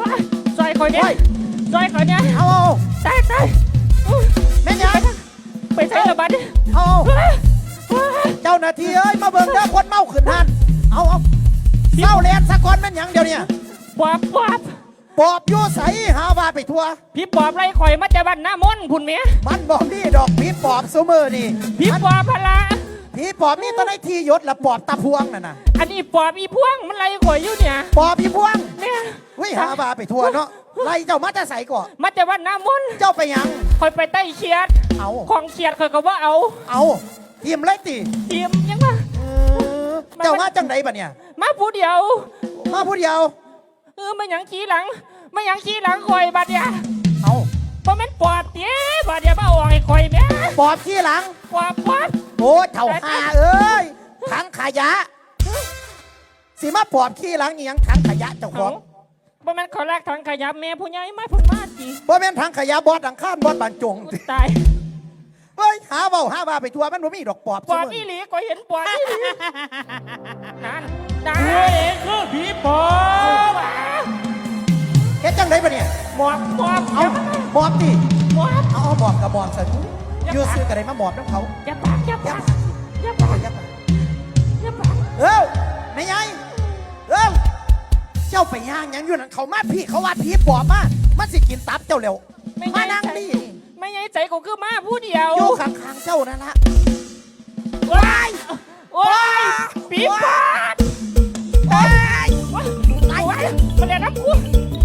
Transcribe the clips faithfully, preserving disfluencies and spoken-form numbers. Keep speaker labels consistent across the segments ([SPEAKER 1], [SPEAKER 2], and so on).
[SPEAKER 1] ซอยคอยเนี่ยซอยคอยเนี่ย
[SPEAKER 2] เอา
[SPEAKER 1] ตายตาย
[SPEAKER 2] แม่ยัง
[SPEAKER 1] ไปใช้ระบาด
[SPEAKER 2] เอาเจ้าหน้าที่เอ้ยมาเบิ่งเด้อคนเมาขึ้นหันเอาเอาเศร้าแลนสะกอนแม่นยังเดี๋ยวนี้
[SPEAKER 1] ปอบปอบ
[SPEAKER 2] ปอบอยู่ใสหาว่าไปทั่ว
[SPEAKER 1] พี่ปอบไรข่อยมาจะบ้านหน้ามนพุ่นเมีย
[SPEAKER 2] มันบอกนี่ดอกผีปอบซูมือนี่
[SPEAKER 1] พี่ปอบพละ
[SPEAKER 2] ผีปอบนี่ตอนไหนที่ยศละปอบตาพวงน่ะนะ
[SPEAKER 1] อันนี้ปอบอีพวงมันไรข่อยอยู่เนี่ย
[SPEAKER 2] ปอบผีพวง
[SPEAKER 1] เนี่ย
[SPEAKER 2] วิหาว่าไปทั่วเนาะไล่เจ้ามาจะใส่ก่อน
[SPEAKER 1] มาจะบ้านหน้ามน
[SPEAKER 2] เจ้าไปยัง
[SPEAKER 1] ข่อยไปใต้เขียด
[SPEAKER 2] เอา
[SPEAKER 1] ของเขียดข่อยก็ว่าเอา
[SPEAKER 2] เอาทีมไรตี
[SPEAKER 1] ทีมยังมา
[SPEAKER 2] เจ้ามาจังไหนบัดเนี่ย
[SPEAKER 1] มาผู้เดียว
[SPEAKER 2] มาผู้เดียว
[SPEAKER 1] เออมาหยังขี้หลังมาหยังขี้หลังข่อยบัดเนี่ย
[SPEAKER 2] เอา
[SPEAKER 1] เพราะมันปอบเตี้ยบัดเนี่ยมาออกให้ข่อยแม่
[SPEAKER 2] ปอบขี้หลัง
[SPEAKER 1] ปอบปอบ
[SPEAKER 2] โอ้เถ่าหาเอ้ยถังขยะสิมาปอบขี้หลังนี่ยังถังขยะเจ้าข
[SPEAKER 1] เขา
[SPEAKER 2] อง
[SPEAKER 1] เพราะมันเขาแรกทางขยับแม่ผู้ใหญ่มาเพุ่นมาจี
[SPEAKER 2] บ่แม่นถังขยะบอดดังข้านบอดบานจง
[SPEAKER 1] ตาย
[SPEAKER 2] เฮ้ยหาเบาหาว่าไปทั่วมันบ่มีดอกปอบ
[SPEAKER 1] ปอบ
[SPEAKER 2] ซุมื้
[SPEAKER 1] อีหลีก็เห็นปอบอีหลีนั่นนั่น
[SPEAKER 3] เฮ้ยคือผีปอบ
[SPEAKER 2] เฮ็ดจังไดบัดเนี่ย
[SPEAKER 1] หมอบหมอบ
[SPEAKER 2] เอาหมอบดิ
[SPEAKER 1] หมอบ
[SPEAKER 2] เอาเอาหมอบกับหมอบซะอยู่ซื้อกันได้มาหมอบน้ำเขา
[SPEAKER 1] อย่าปากอย่า
[SPEAKER 2] ยั
[SPEAKER 1] ปา
[SPEAKER 2] บ
[SPEAKER 1] กอย่าปาก
[SPEAKER 2] ยับ
[SPEAKER 1] อย่าปาก
[SPEAKER 2] เอ้าแม่ยายเอ้าเจ้าไปย่างหยังอยู่นั่นเขามาพี่เขาว่าผีปอบมามันสิกินตับเจ้าเร็ว
[SPEAKER 1] ไม่
[SPEAKER 2] มา
[SPEAKER 1] ใช่
[SPEAKER 2] นั่ง
[SPEAKER 1] ใจ
[SPEAKER 2] ดิ
[SPEAKER 1] ไม่ใช่ใจกูคือมาผู้เดียว
[SPEAKER 2] อยู่ข้างๆเจ้านั่นละ
[SPEAKER 1] ว้ายโอ้ยปีปอบ
[SPEAKER 2] โอ้ย
[SPEAKER 1] ว้ายตายว้ายมาเรียนน้ำกู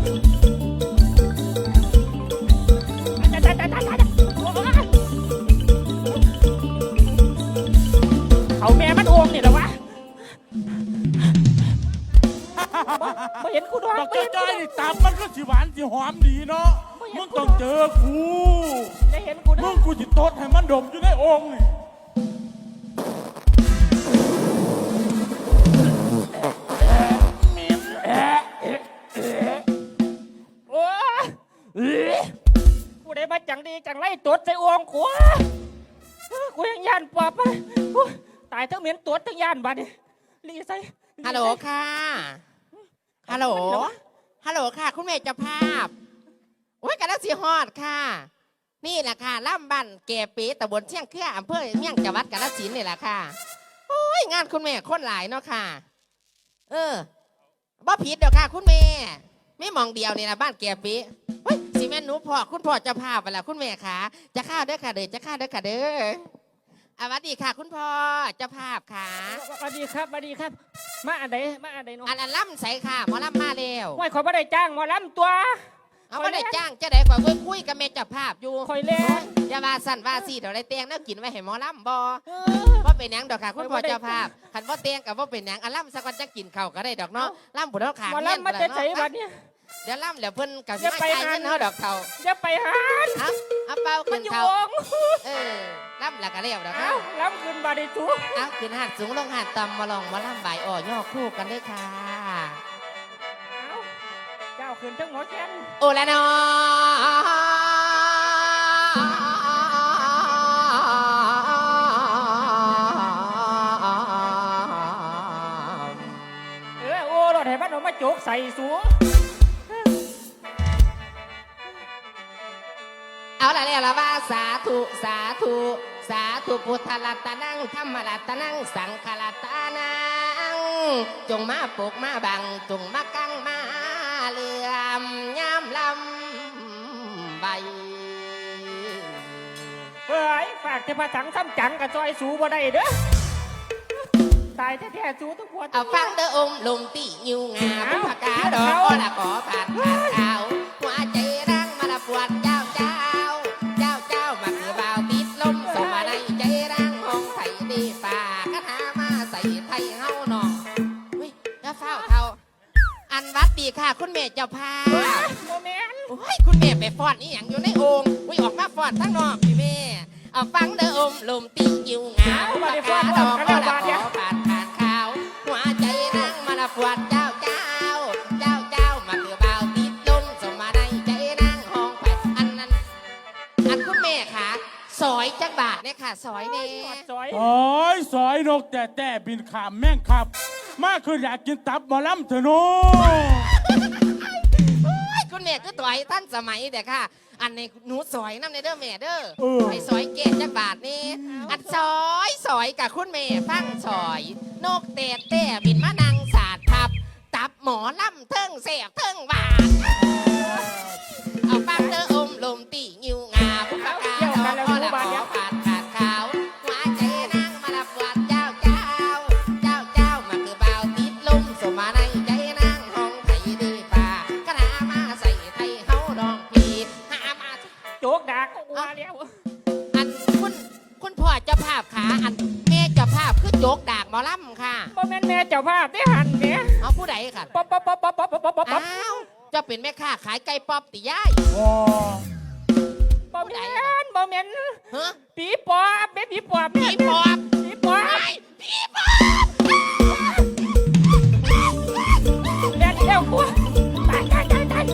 [SPEAKER 1] ตายตายตายตายตายเขาแม่มันโอ่งนี่เหรอวะไม่เห็นกูด้วย
[SPEAKER 3] บัก
[SPEAKER 1] ไม่เห็น
[SPEAKER 3] จ้
[SPEAKER 1] กู
[SPEAKER 3] อย
[SPEAKER 1] ด้วย
[SPEAKER 3] ๆนี่ตับมันก็สิหวานสิหอมดีเนาะ มึงต้องเจอกู
[SPEAKER 1] ได้เห็นกู
[SPEAKER 3] มึ
[SPEAKER 1] ด้วย
[SPEAKER 3] งกูจิตดให้มันดมอยู่ในองค์นี่
[SPEAKER 1] โอ้ยกูได้มาจังดีจังไรตดใส่อ่วงกูกูยังยานปอบไปตายทั้งเหม็นตดทั้งยานบัดนี่รีใส่
[SPEAKER 4] ฮัลโหลค่ะ ฮัลโหล ฮัลโหลค่ะ คุณเมย์เจ้าภาพ โอ้ยกันแล้วสีฮอดค่ะ นี่แหละค่ะล่ำบันเกปีตำบลเชียงเครืออำเภอเมียงจังหวัดกาฬสินธุ์นี่แหละค่ะ โอ้ยงานคุณแม่คนหลายเนาะค่ะ เออบ่ผิดเดี๋ยวค่ะ คุณแม่ไม่มองเดียวนี่นะบ้านเกปีเฮ้ยสิแม่นหนูพ่อคุณพ่อเจ้าภาพไปละคุณแม่ค่ะ จะข้าวเด้อค่ะเด้อจะข้าวเด้อค่ะเด้ออ่ะสวัสดีค่ะ คุณพ่อเจ้าภาพค่ะ
[SPEAKER 1] สวัสดีครับสวัสดีครับ มาอันใดมาอันใดเนาะ
[SPEAKER 4] อันนั้นล่ำใสค่ะหมอล่ำมาแล้ว
[SPEAKER 1] โอ้ยขอยไม่ได้จ้างหมอลำตัว
[SPEAKER 4] เอาไม่ได้จ้างจะได้กว่าเว้ยคุยกับเมเจ้าภาพอยู่
[SPEAKER 1] คอยเล่น
[SPEAKER 4] อย่าว่าสั่นว่าสีเดี๋ยวได้เตียงแล้วกินไว้ให้หมอล่ำบอ
[SPEAKER 1] เออ
[SPEAKER 4] ว่าเป็นหยังดอกค่ะคุณพ่อ
[SPEAKER 1] ไม่ได้
[SPEAKER 4] เจ้าภาพขันว่าเตียงกับว่าเป็นหยังอ่ะล่ำสักวันจะกินข้าวก็ได้ดอกเนาะล่ำบุญเท่าขา
[SPEAKER 1] หมอ
[SPEAKER 4] เงี้ย
[SPEAKER 1] ลำมาจะใช้บัดเนี่ย
[SPEAKER 4] เดี๋ยวล่ำเดี๋ยวเพิ่นกับ
[SPEAKER 1] อย่า
[SPEAKER 4] ไม่
[SPEAKER 1] ไป
[SPEAKER 4] ใจาย
[SPEAKER 1] หา
[SPEAKER 4] เงินเท่าดอกเขา
[SPEAKER 1] อย่าไปหา
[SPEAKER 4] เอาเอาเป้า
[SPEAKER 1] มั
[SPEAKER 4] ขึ้
[SPEAKER 1] น
[SPEAKER 4] น
[SPEAKER 1] อยู่
[SPEAKER 4] เขา
[SPEAKER 1] วง
[SPEAKER 4] เออล่ำหลักกะเรียวดอก
[SPEAKER 1] เอ้า
[SPEAKER 4] เขา
[SPEAKER 1] ลำขึ้นบาดได้ทุก
[SPEAKER 4] เอาขึ้นหาดสูงลงหาดต่ำมาลองมาล่ำบ่ายอ่อย่อคู่กันด้วยค่ะ
[SPEAKER 1] เอ้าเจ้าขึ้นทั้งหมอแคน
[SPEAKER 4] โอละนอ
[SPEAKER 1] เออโอ้รถให้บ้านเรามาโจกใส่สู
[SPEAKER 4] เอาละเนี่ยละว่าสาธุสาธุสาธุพุทธรัตนังธรรมรัตนังสังฆรัตนังจงมาปกมาบังจงมากังมาเหลื่อมย้ำลำใบ
[SPEAKER 1] เฮ้ยฝากเทพสังซ้ำจังกับจอยสูบ่ได้เด้อตายแท้ๆสูทุกคน
[SPEAKER 4] เอาฟังเด้อองค์ลมตีนิวงาบุพกาดอกก็ละขอผ่านผ่านขาวหัวใจรังมาละปวดเจ้าเจ้าเจ้าเจ้ามาคือบ่าวติดลมสมาในใจรังห้องไทยดีป่ากระถามาใส่ไทยเฮาหนองเฮ้ยแล้วเฝ้าเท่าอันวัดดีค่ะคุณแม่เจ้าพา
[SPEAKER 1] โมเมน
[SPEAKER 4] โอ้ยคุณแม่ไปฟ้อนนี่อย่างอยู่ในโอ่งอุ้ยออกมาฟ้อนทั้งนอกพี่แม่เอาฟังเด้ออมลมตีนิวงาบุพกาดอกก็ละขอผ่านผ่านขาวหัวใจรังมาละปวดเจ้าเจ้าเจ้าเจ้ามาคือบ่าวติดลมสมาในใจรังห้องไปอันนั้นอันคุณแม่ค่ะซอยจักบาทเนี่ยค่ะซอยเนี่ย
[SPEAKER 1] จอย
[SPEAKER 3] โอ้ยสอยนกแต่แต่บินขามแม่งขับ มาคืออยากกินตับหมอลำเถอะโน้
[SPEAKER 4] โอ้ยคุณแม่ก็ต่อยท่านสมัยแต่ค่ะ อันในหนูสอยน้ำในเด้อแม่เด้อ
[SPEAKER 3] เออ
[SPEAKER 4] ไอ้สอยเกศจักบาทนี่อันสอยสอยกับคุณแม่ฟังสอย นกเตะเตะบินมานังสาดทับ ตับหมอล่ำเทิงเสียบเทิงบาดเอาฟังเธออมลมตีงิวงาผู้ประกาศเอาพอละพอผ่านขาดขาวหัวใจนั่งมาลับวัดเจ้าเจ้า เจ้าเจ้ามาคือเบาติดลมสมาในใจนั่งห้องไทยดีป่ากระนามาใส่ไทยเฮาดองปีหามา
[SPEAKER 1] โจกดักกูว่าแล้ว
[SPEAKER 4] อันคุณคุณพ่อเจ้าภาพขาอันแม่เจ้าภาพคือโจกดากหมอลำค่ะ
[SPEAKER 1] บ่แม่นแม่เจ้าภาพได้หันเนี่ย
[SPEAKER 4] เอาผู้ใดค่ะ
[SPEAKER 1] ป๊อปป๊อปป๊อปป๊อปป๊อปป๊อปป๊อปป๊อป
[SPEAKER 4] อ้าวเจ้าเป็นแม่ค้าขายไก่ป๊อปติย่าย
[SPEAKER 3] ว้า
[SPEAKER 1] บ่แม่นบ่แม่น
[SPEAKER 4] ฮะ
[SPEAKER 1] ผีปอบแม่ผีปอบ
[SPEAKER 4] ผีปอบ
[SPEAKER 1] ผีปอบ
[SPEAKER 4] ไอ้ผีปอบ
[SPEAKER 1] แม่เดียวกูตายตายตายตาย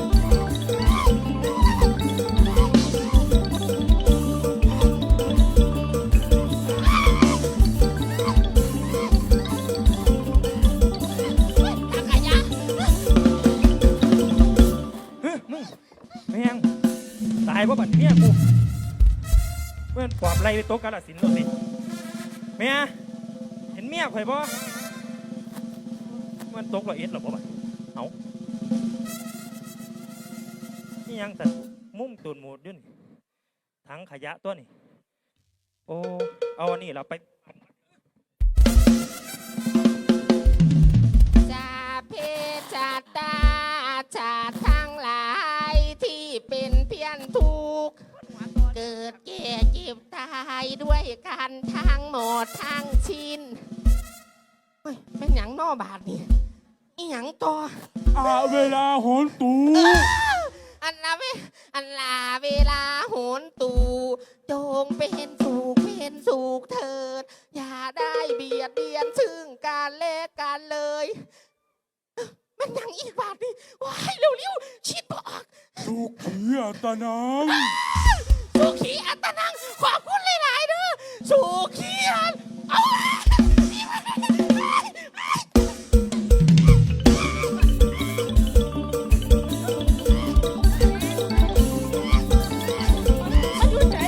[SPEAKER 4] ทางขยะ
[SPEAKER 3] เฮ้ยมึงแม่งตายเพราะบัดเมียกูเพื่อนปอบไล่ไปโต๊ะกาลสินธุ์แล้วสิเมียเห็นเมียข่อยบ่มันตกละเอ็ดหรอบ่บัดเอานี่ยังแต่มุ้งตูนหมูดอยุ่นทั้งขยะตัวนี่โอ้เอาอันนี้เราไป
[SPEAKER 4] จาเพจาตาจาทั้งหลายที่เป็นเพี้ยนทุกข์เกิดแก่เจ็บตายด้วยกันทั้งหมดทั้งชิ้นเฮ้ยเป็นหยังนอบาทนี่อีหยังต่อ
[SPEAKER 3] อาเวลาโหนตู
[SPEAKER 4] อันลาเวอันลาเวลาโหนตูจงเป็นสุขเป็นสุขเถิด อย่าได้เบียดเบียนซึ่งกันและกันเลยมันยังอีกบาทนี่ว้ายเร็วๆชิดบอก
[SPEAKER 3] สุขีอัตนัง
[SPEAKER 4] สุขีอัตนังขอบคุณหลายๆเด้อสุขีอันเอา
[SPEAKER 1] มันอยู่ไหน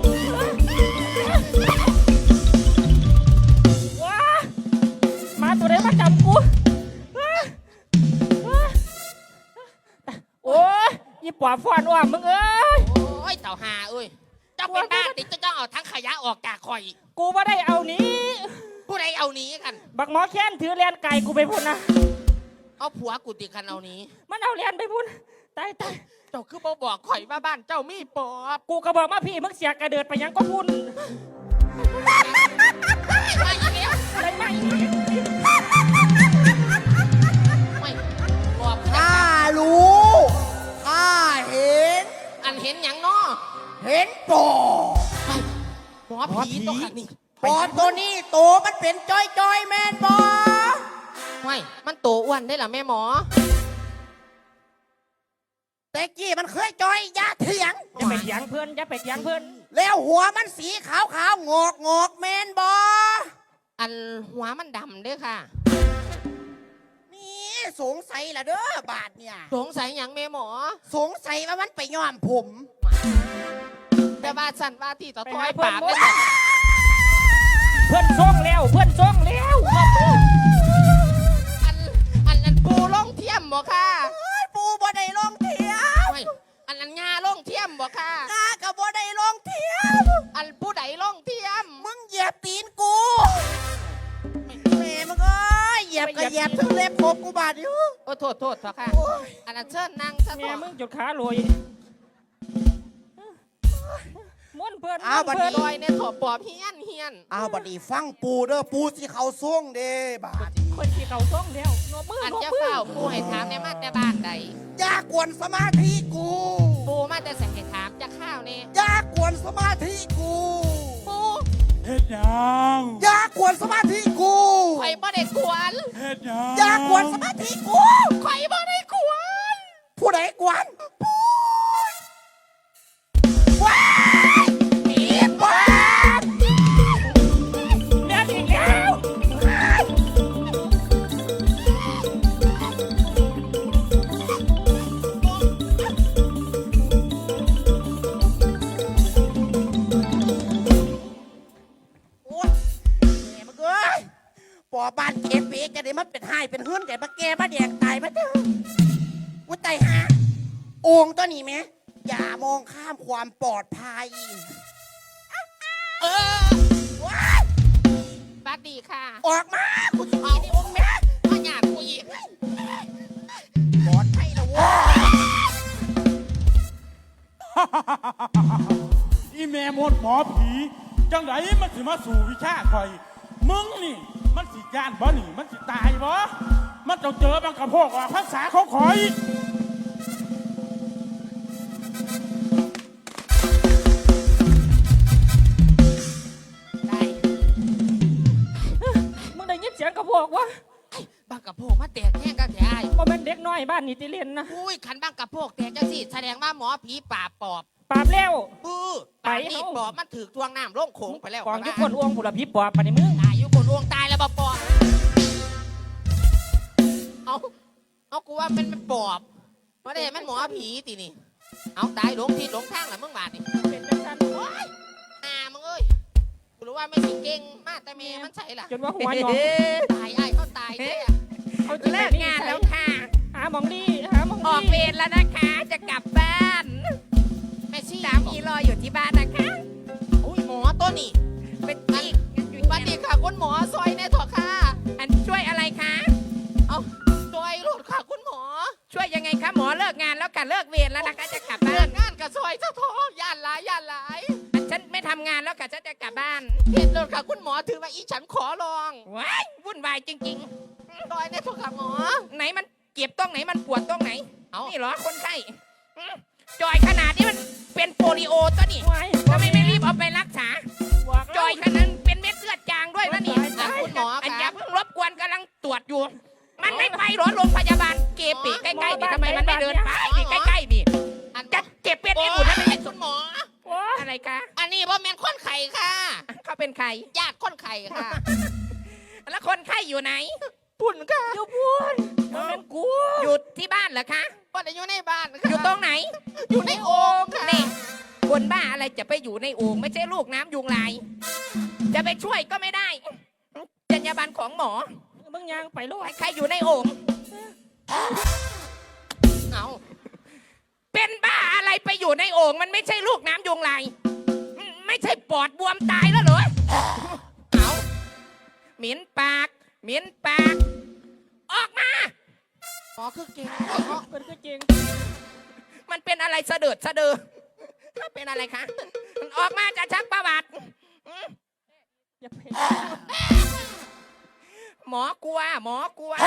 [SPEAKER 1] ว้ามาตัวไหนมาจับกูว้าว้าโอ้ยยี่ปอบฟอนอ้อมมึงเอ้ย
[SPEAKER 4] โอ้ยเต่าหาเอ้ยเจ้าเป็นบ้าติเจ้าต้องเอาทั้งขยะออกจากข่อย
[SPEAKER 1] กูว่าได้เอานี้
[SPEAKER 4] ผู้ใดเอาหนี้กัน
[SPEAKER 1] บักหมอแค้นถือเรียนไก่กูไปพุ่นนะ
[SPEAKER 4] เอาผัวกูติกันเอาหนี้
[SPEAKER 1] มันเอาเรียนไปพุ่นตายตาย
[SPEAKER 4] เจ้าคือบ่บอกข่อยว่าบ้านเจ้ามีปอบ
[SPEAKER 1] กูก็บอกมาพี่มึงเสียกระเดิดไปยังก็พุ่น
[SPEAKER 4] มาอีกแล้ว
[SPEAKER 1] อะไรมาอีกเนี่ย
[SPEAKER 4] ไม่ปอบ
[SPEAKER 2] ข้ารู้ข้าเห็น
[SPEAKER 4] อันเห็นหยังเนาะ
[SPEAKER 2] เห็นปอบ
[SPEAKER 4] หมอผีตัวขัดนี่
[SPEAKER 2] ปอบตัวนี้โตมันเป็นจอยจอยๆแมนบอ
[SPEAKER 4] ไม่มันโตอ้วนได้เหรอแม่หมอ
[SPEAKER 2] แต่กี้มันเคยจอยอยาเถียง
[SPEAKER 1] อย่าไปเถียงเพื่อนอย่าไปเถียงเพื่อน
[SPEAKER 2] แล้วหัวมันสีขาวขาวๆงอกงอกๆแมนบอ
[SPEAKER 4] อันหัวมันดำเด้วยค่ะ
[SPEAKER 2] นี่สงสัยละเด้อบาทเนี่ย
[SPEAKER 4] สงสัยหยังแม่หมอ
[SPEAKER 2] สงสัยว่ามันไปย้อมผม
[SPEAKER 4] แต่ว่าสันว่าที่ต่อต้อยปากเลย
[SPEAKER 1] เพื่อนส่งแล้วเพื่อนส่งแล้ว
[SPEAKER 4] อันอันอันปูล่องเทียมบ่ค่ะ
[SPEAKER 2] เฮ้ยปูบ่ได้ลงเทียม
[SPEAKER 4] ไม่อันอันงาล่องเทียมบ่ค่ะ
[SPEAKER 2] กากับบ่ได้ลงเทียม
[SPEAKER 4] อันผู้ใดล่องเทียม
[SPEAKER 2] มึงเหยียบตีนกูแม่มึงเอ้ยเหยียบก็เหยียบถึงเล็บผมกูบาดอยู่
[SPEAKER 4] โอ้โทษโทษเถอะค่ะ อันนั้นเชิญนั่งซะ
[SPEAKER 1] แม่
[SPEAKER 4] ก่อน
[SPEAKER 1] มึงจุดขาลอยม้วนเพื่อน
[SPEAKER 2] อ้าวบัด
[SPEAKER 1] เพื่อน
[SPEAKER 2] นี้
[SPEAKER 4] ลอยเนี่ยถอปอบเฮียนเฮียน
[SPEAKER 2] อ้าวบัดนี้ฟังปูเด้อปูสิเขาส่งเด้บาด
[SPEAKER 1] คนที่เขาส่งแล้วนบมือ
[SPEAKER 4] อัน
[SPEAKER 1] นบ
[SPEAKER 4] จะ
[SPEAKER 1] มือ
[SPEAKER 4] เฝ้าปูให้ถามในมาแต่บ้านใด
[SPEAKER 2] อย่ากวนสมาธิกู
[SPEAKER 4] ปูมาแต่ใส่ให้ถามจะข้าวนี่
[SPEAKER 2] อย่ากวนสมาธิกู
[SPEAKER 4] ปู
[SPEAKER 3] เฮ็ดหยัง
[SPEAKER 2] อย่ากวนสมาธิกู
[SPEAKER 4] ข่อยบ่ได้กวน
[SPEAKER 3] เฮ็ดหยัง
[SPEAKER 2] อย่ากวนสมาธิกู
[SPEAKER 4] ข่อยบ่ได้กวน
[SPEAKER 2] ผู้ใดกวนปูว้ายผีปอบ
[SPEAKER 1] เรียนอีกแล้ว
[SPEAKER 2] ปมาเถอะวุ้ยตายฮะโอ่งตัวนี้ไหมอย่ามองข้ามความปลอดภัย
[SPEAKER 4] เออว้ายบัดดีค่ะ
[SPEAKER 2] ออกมากูจะ
[SPEAKER 4] เอา
[SPEAKER 2] มีในวงแม่
[SPEAKER 4] พ่อหยาดกูอีก
[SPEAKER 2] ปลอดภัยแล้วเว้ย
[SPEAKER 5] อีแม่มดหมอผีจังไดมันสิมาสู่วิชาคอย มึงนี่ มันสิย่านบ่นี่ มันสิตายบ่มันต้องเจอบังกระโพกว่าภาษาเขาคอย
[SPEAKER 4] ได้
[SPEAKER 1] มึงได้ยินเสียงกระโพกวะ
[SPEAKER 4] บังกะโพกมาแตกแห้งกันแท้ไอ้
[SPEAKER 1] ว่าเป็นเด็กน้อยบ้านนี่ติเรียนนะ
[SPEAKER 4] อุ้ยขันบังกะโพกแตกจังสิแสดงว่าหมอผีป่าบปอบ
[SPEAKER 1] ปราบแล้ว
[SPEAKER 4] ปื้อ
[SPEAKER 1] ไป
[SPEAKER 4] ป่านนี่
[SPEAKER 1] เฮ้า
[SPEAKER 4] ปอบมันถือทวงน้ำลงโขงไปแล้ว
[SPEAKER 1] กองยุคนอ้วงผุระพิปอบปานนี้มึง
[SPEAKER 4] ตายอยู่คนลวงตายแล้วบ่ปอบเอาเอากูว่ามันเป็นปอบเพราะเด็มันหมอผีตีนี่เอาตายหลงทิศหลงทางแหละมึงบาดนี่
[SPEAKER 1] เป็นจังสัน
[SPEAKER 4] โอ๊ยอ่ามึงเอ้ยกูรู้ว่าไม่สิเก่งมากแต่เมย์มันใช่ล่ะ
[SPEAKER 1] จนว่าหัวหยอง
[SPEAKER 4] ตายไอ้เขาตายแท้
[SPEAKER 1] เขาจะ
[SPEAKER 6] เลิกงานแล้วค่ะ
[SPEAKER 1] หาหมองดีหาหมอง
[SPEAKER 6] ออก
[SPEAKER 1] ดี
[SPEAKER 6] เวรแล้วนะคะ จะกลับบ้าน
[SPEAKER 4] แม่ชี้
[SPEAKER 6] สามีรออยู่ที่บ้านนะคะ
[SPEAKER 4] อุ้ยหมอตัวนี้
[SPEAKER 6] เป็นอีกอยู่
[SPEAKER 4] บัดนี้ค่ะคุณหมอซอยแน่ถอะค่ะ
[SPEAKER 6] อันช่วยอะไรคะ
[SPEAKER 4] เอาซอยรถค่ะคุณหมอ
[SPEAKER 6] ช่วยยังไงคะหมอเลิกงานแล้วค่ะเลิกเวรแล้วนะคะ จะกลับ
[SPEAKER 4] เลิ
[SPEAKER 6] บ้าน
[SPEAKER 4] กงานกับซอยซะทอย่านหลายย่านหลาย
[SPEAKER 6] อันฉันไม่ทำงานแล้วค่ะฉันจะกลับบ้าน
[SPEAKER 4] เห็นรถค่ะคุณหมอถือว่าอีฉันขอลอง
[SPEAKER 6] ว้ายวุ่นวายจริง
[SPEAKER 4] ซอยแน่ถอะค่ะหมอ
[SPEAKER 6] ๆ ไหนมันเก็บตรงไหนมันปวดตรงไหน
[SPEAKER 4] เอา
[SPEAKER 6] นี่เหรอคนไข้อืมจอยขนาดนี้มันเป็นโปลิโอตัวนี่
[SPEAKER 1] ไว้
[SPEAKER 6] ทำไมไม่รีบเอาไปรักษา
[SPEAKER 1] บอก
[SPEAKER 6] จอยขนาดนั้นเป็นเม็ดเลือดจางด้วยนะนี่
[SPEAKER 4] อ่ะคุณหมอ
[SPEAKER 6] อันอ
[SPEAKER 4] ค่ะ
[SPEAKER 6] ย่าเพิ่งรบกวนกำลังตรวจอยู่ มันไม่ไปหรอโรงพยาบาลเกปีใกล้ๆนี่ทำไมมันไม่เดินไปนี่ใกล้ๆนี่
[SPEAKER 4] อัน
[SPEAKER 6] จะเจ็บเป็น
[SPEAKER 4] โอ้
[SPEAKER 6] ไอ้
[SPEAKER 4] ย
[SPEAKER 6] บุญทำไมไม่
[SPEAKER 4] คุณหมอ
[SPEAKER 1] โอ้ย
[SPEAKER 6] อะไรคะ
[SPEAKER 4] อันนี้ว่าแมนคนไข่ค่ะ
[SPEAKER 6] เขาเป็นใคร
[SPEAKER 4] ญาติคนไข่ค่ะ
[SPEAKER 6] แล้วคนไข้อยู่ไหน
[SPEAKER 4] ปุ่นค่ะ
[SPEAKER 1] อยู่พูนมันเป็นกู
[SPEAKER 6] อยู่ที่บ้านเหรอคะ
[SPEAKER 4] ว่าจะอยู่ในบ้าน
[SPEAKER 6] อ
[SPEAKER 4] ค่ะ
[SPEAKER 6] ยู่ตรงไหน
[SPEAKER 4] อยู่ในโอ่งค่ะ
[SPEAKER 6] นี่คนบ้าอะไรจะไปอยู่ในโอ่งไม่ใช่ลูกน้ำยุงลาย จะไปช่วยก็ไม่ได้จรรยาบรรณของหมอ
[SPEAKER 1] มึงยังไปโลด
[SPEAKER 6] ใครอยู่ในโอ่ง
[SPEAKER 4] เอา
[SPEAKER 6] เป็นบ้าอะไรไปอยู่ในโอ่งมันไม่ใช่ลูกน้ำยุงลายอืมไม่ใช่ปอดบวมตายแล้วเหรอ
[SPEAKER 4] เอา
[SPEAKER 6] เหม็นปากเหม็นปาก ออกมา
[SPEAKER 4] หมอคือเก่ง
[SPEAKER 1] เป็นคือจริง
[SPEAKER 6] มันเป็นอะไรเสดิร์ดเสะเดอถ้าเป็นอะไรคะมันออกมาจะชักประวัติอืม
[SPEAKER 1] อย่าเพ
[SPEAKER 6] หมอกลัว หมอกลัว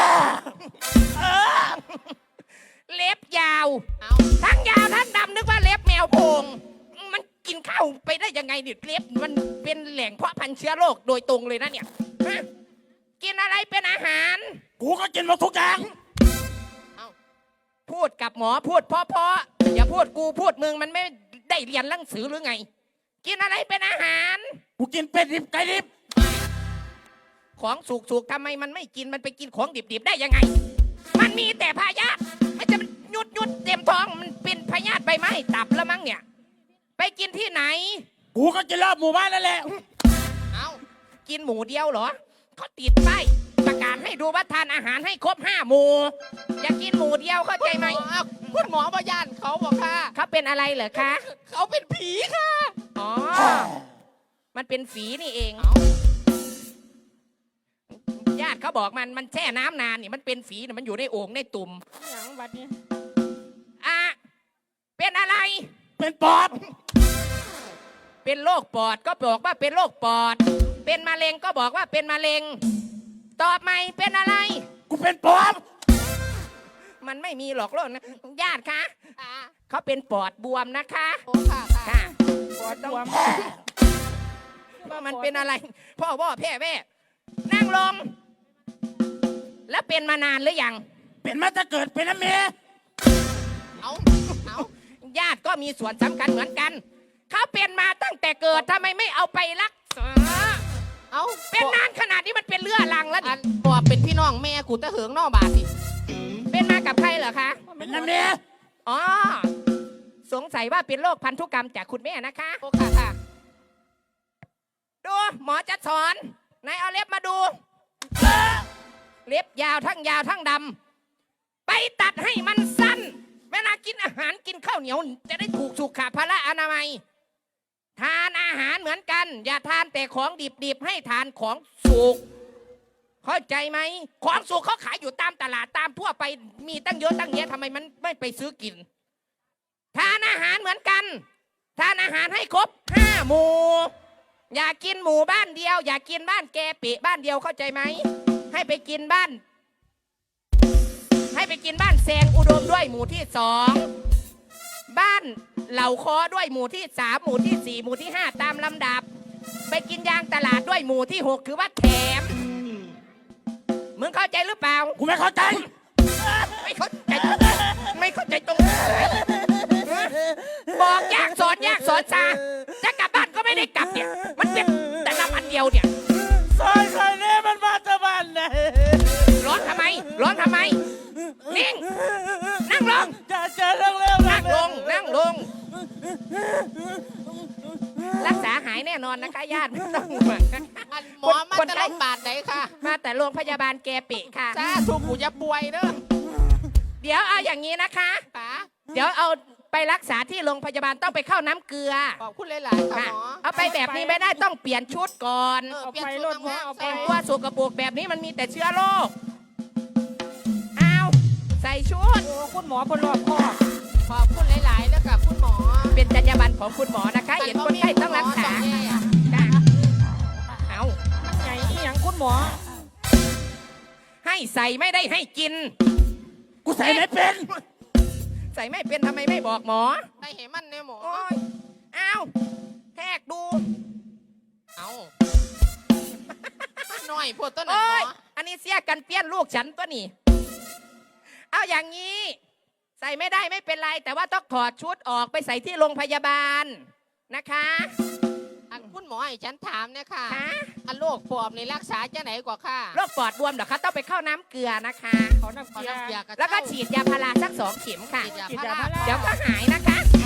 [SPEAKER 6] เล็บยาว
[SPEAKER 4] เอา
[SPEAKER 6] ทั้งยาวทั้งดำนึกว่าเล็บแมวโพงมันกินข้าวไปได้ยังไงเนี่ยเล็บมันเป็นแหล่งเพาะพันธุ์เชื้อโรคโดยตรงเลยนะเนี่ยฮะกินอะไรเป็นอาหาร
[SPEAKER 5] กูก็กินหมดทุกอย่าง
[SPEAKER 6] พูดกับหมอพูดเพราะๆอย่าพูดกูพูดมึงมันไม่ได้เรียนหนังสือหรือไง กินอะไรเป็นอาหาร
[SPEAKER 5] กูกินเป็ดดิบไก่ดิบ
[SPEAKER 6] ของสุกๆทำไมมันไม่กินมันไปกินของดิบๆได้ยังไง มันมีแต่พยาธิมันจะมันยุดยุดเต็มท้องมันเป็นพยาธิใบไม้ตับแล้วมั้งเนี่ย ไปกินที่ไหน
[SPEAKER 5] กูก็กินรอบหมู่บ้านนั่นแหละ
[SPEAKER 4] เอา
[SPEAKER 6] กินหมูเดียวเหรอเขาติดป้ายประกาศให้ดูว่าทานอาหารให้ครบห้าหมู่อย่ากินหมูเดียวเข้าใจไหม
[SPEAKER 4] เอาคุณหมอมาย่านเขาบอกค่ะ
[SPEAKER 6] เขาเป็นอะไรเหรอคะ
[SPEAKER 4] เขาเป็นผีค่ะ
[SPEAKER 6] อ๋อมันเป็นฝีนี่เอง
[SPEAKER 4] เอา
[SPEAKER 6] ญาติเขาบอกมันมันแช่น้ำนานนี่มันเป็นฝีน่ะมันอยู่ในโอ่งในตุ่ม
[SPEAKER 1] อย่างบัดนี้
[SPEAKER 6] อ่ะเป็นอะไร
[SPEAKER 5] เป็นปอบ
[SPEAKER 6] เป็นโรคปอดก็บอกว่าเป็นโรคปอด เป็นมะเร็งก็บอกว่าเป็นมะเร็ง ตอบใหม่เป็นอะไร
[SPEAKER 5] กูเป็นปอบ
[SPEAKER 6] มันไม่มีหรอกโรคนะญาติคะ
[SPEAKER 4] อ่า
[SPEAKER 6] เขาเป็นปอดบวมนะคะ
[SPEAKER 4] โอ้ค่ะค่ะ
[SPEAKER 6] ค่ะ
[SPEAKER 1] ปวดบวม
[SPEAKER 6] ว่ามันเป็นอะไร พ่อพ่อแพ่แม่นั่งลง แล้วเป็นมานานหรือยัง
[SPEAKER 5] เป็นมาจะเกิดเป็นน้ำเม
[SPEAKER 4] เอาเอา
[SPEAKER 6] ญาติก็มีส่วนสำคัญเหมือนกัน เขาเป็นมาตั้งแต่เกิดทำไมไม่เอาไปรักษา
[SPEAKER 4] เอา
[SPEAKER 6] เป็นนานขนาดนี้มันเป็นเลือดลังแล้ว
[SPEAKER 4] อั
[SPEAKER 6] นี่
[SPEAKER 4] นปอบเป็นพี่น้องแม่กูตะเหิงนอกบาทสิ
[SPEAKER 6] เป็นมากับใครเหรอคะ
[SPEAKER 5] เป็นน้ำเม
[SPEAKER 6] อ๋อ สงสัยว่าเป็นโรคพันธุกรรมจากคุณแม่นะคะ
[SPEAKER 4] โอ้ค่ะค่ะ
[SPEAKER 6] ดูหมอจะสอนนายเอาเล็บมาดู เล็บยาวทั้งยาวทั้งดำอาหารกินข้าวเหนียวจะได้ถูกสุขภาระอนามัย ทานอาหารเหมือนกัน อย่าทานแต่ของดิบๆให้ทานของสุกเข้าใจไหมของสุกเขาขายอยู่ตามตลาดตามทั่วไปมีตั้งเยอะตั้งแยะทำไมมันไม่ไปซื้อกิน ทานอาหารเหมือนกัน ทานอาหารให้ครบห้าหมู่อย่ากินหมู่บ้านเดียว อย่ากินบ้านแกเปะบ้านเดียวเข้าใจไหมให้ไปกินบ้าน ให้ไปกินบ้านแซงอุดมด้วยหมู่ที่สองบ้านเหล่าคอด้วยหมู่ที่สามหมู่ที่สี่หมู่ที่ห้าตามลำดับ ไปกินยางตลาดด้วยหมู่ที่หกคือว่าแถมมึงเข้าใจหรือเปล่า
[SPEAKER 5] กูไม่เข้าใจ
[SPEAKER 6] ไม่เข้าใจไม่เข้าใจตรงไหนบอกยากสอนยากสอนซาจะกลับบ้านก็ไม่ได้กลับเนี่ยมันเป็นแต่ละอันเดียวเนี่ย
[SPEAKER 5] ซอยซอยนี้มันมาตะบันไหน
[SPEAKER 6] ร้อนทำไม ร้อนทำไม นิ่ง นั่งลง
[SPEAKER 5] จะเจอเรื่องเร็ว
[SPEAKER 6] นั่งลง นั่งลง รักษาหายแน่นอนนะคะญาติไม่ต้องห่วง
[SPEAKER 4] อันหมอมาจะลงบาทไหนค่ะ
[SPEAKER 6] มาแต่โรงพยาบาลแกเปะค่ะ
[SPEAKER 4] จ้าถูกกูจะป่วยเด้อ
[SPEAKER 6] เดี๋ยวเอาอย่างนี้นะคะ
[SPEAKER 4] ป๋า
[SPEAKER 6] เดี๋ยวเอาไปรักษาที่โรงพยาบาลต้องไปเข้าน้ำเกลือ
[SPEAKER 4] ขอบคุณหลายๆค่ะ
[SPEAKER 6] ค่ะ
[SPEAKER 4] หมอ
[SPEAKER 6] เอาไปแบบนี้ไม่ได้ต้องเปลี่ยนชุดก่อน
[SPEAKER 4] เออ
[SPEAKER 1] เอา
[SPEAKER 4] เปลี่ยน
[SPEAKER 1] ไป
[SPEAKER 4] ชุด
[SPEAKER 1] รถหมอ
[SPEAKER 4] น้ำ
[SPEAKER 1] เอาไป
[SPEAKER 6] แต่งตัวสกปรกแบบนี้มันมีแต่เชื้อโรคเอาใส่ชุด
[SPEAKER 1] โอ้คุณหมอพลรอบคอบ
[SPEAKER 4] ขอบคุณหลายๆแล้วกับคุณหมอ
[SPEAKER 6] เป็นจรรยาบรรณของคุณหมอนะคะเห็นคนไข้ต้องรักษา
[SPEAKER 4] แย่อะ
[SPEAKER 6] จ้ะเอา
[SPEAKER 1] มันใหญ่อีหยังคุณหมอ
[SPEAKER 6] ให้ใส่ไม่ได้ให้กิน
[SPEAKER 5] กูใส่ไม่เป็น
[SPEAKER 6] ใส่ไม่เป็นทำไมไม่บอกหมอ
[SPEAKER 4] ได้เห็นมันเนี่ยหมอ
[SPEAKER 6] โอ้ยเอาแทกดู
[SPEAKER 4] เอาหน่อยพวกต้นหม
[SPEAKER 6] โอ้
[SPEAKER 4] อย
[SPEAKER 6] อันนี้เสียกันเปี้ยนลูกฉันตัวนี่เอาอย่างนี้ ใส่ไม่ได้ไม่เป็นไร แต่ว่าต้องถอดชุดออกไปใส่ที่โรงพยาบาลนะคะ
[SPEAKER 4] อันคุณหมอให้ฉันถามเนี่ยค่ะ
[SPEAKER 6] คะ
[SPEAKER 4] อันโรคปอบนี่รักษาจะไหนกว่าค่ะ
[SPEAKER 6] โรคปอดบวมเหรอคะต้องไปเข้าน้ำเกลือนะคะ
[SPEAKER 1] ขอน้ำ
[SPEAKER 4] ขอ
[SPEAKER 1] เกลือ
[SPEAKER 4] น้ำเกลือกับ
[SPEAKER 6] แล้วก็
[SPEAKER 4] เจ้า
[SPEAKER 6] ฉีดยาพาราสักสองเข็มค่ะ
[SPEAKER 4] ฉีดยา
[SPEAKER 1] ฉีด
[SPEAKER 4] พาย
[SPEAKER 1] า
[SPEAKER 4] รา
[SPEAKER 1] พารา
[SPEAKER 6] เดี๋ยวก็หายนะคะ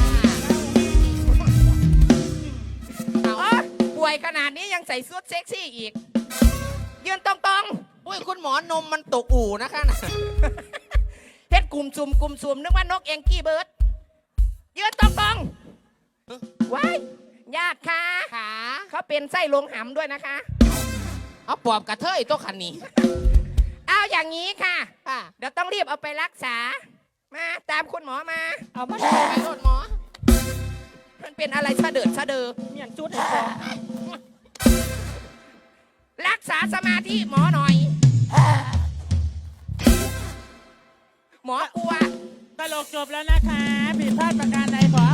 [SPEAKER 4] เอา
[SPEAKER 6] โอ้ป่วยขนาดนี้ยังใส่ชุดเซ็กซี่อีก ยืนตรง
[SPEAKER 4] อุ้ยคุณหมอนมมันตกอู่นะคะน่ะ
[SPEAKER 6] ๆเฮ็ดกลุ่มซุ่มกลุ่มซุ่มนึกว่านกเองกี้เบิร์ดยืนตรงๆว้ายญาติค่ะ
[SPEAKER 4] ขา
[SPEAKER 6] เขาเป็นไส้ลงหำด้วยนะคะ
[SPEAKER 4] เอาปอบกระเทยตัวคันนี้
[SPEAKER 6] เอาอย่างนี้ค่ะ
[SPEAKER 4] ค่ะ
[SPEAKER 6] เดี๋ยวต้องรีบเอาไปรักษา มาตามคุณหมอมา
[SPEAKER 1] เอามา
[SPEAKER 4] ไปรถหมอ
[SPEAKER 6] มันเป็นอะไรสะเดิดสะเดือ
[SPEAKER 1] เมียนจุดให้พอ
[SPEAKER 6] รักษาสมาธิหมอหน่อย หมอกลัว
[SPEAKER 5] ตลกจบแล้วนะคะผิดพลาดประการใดขอ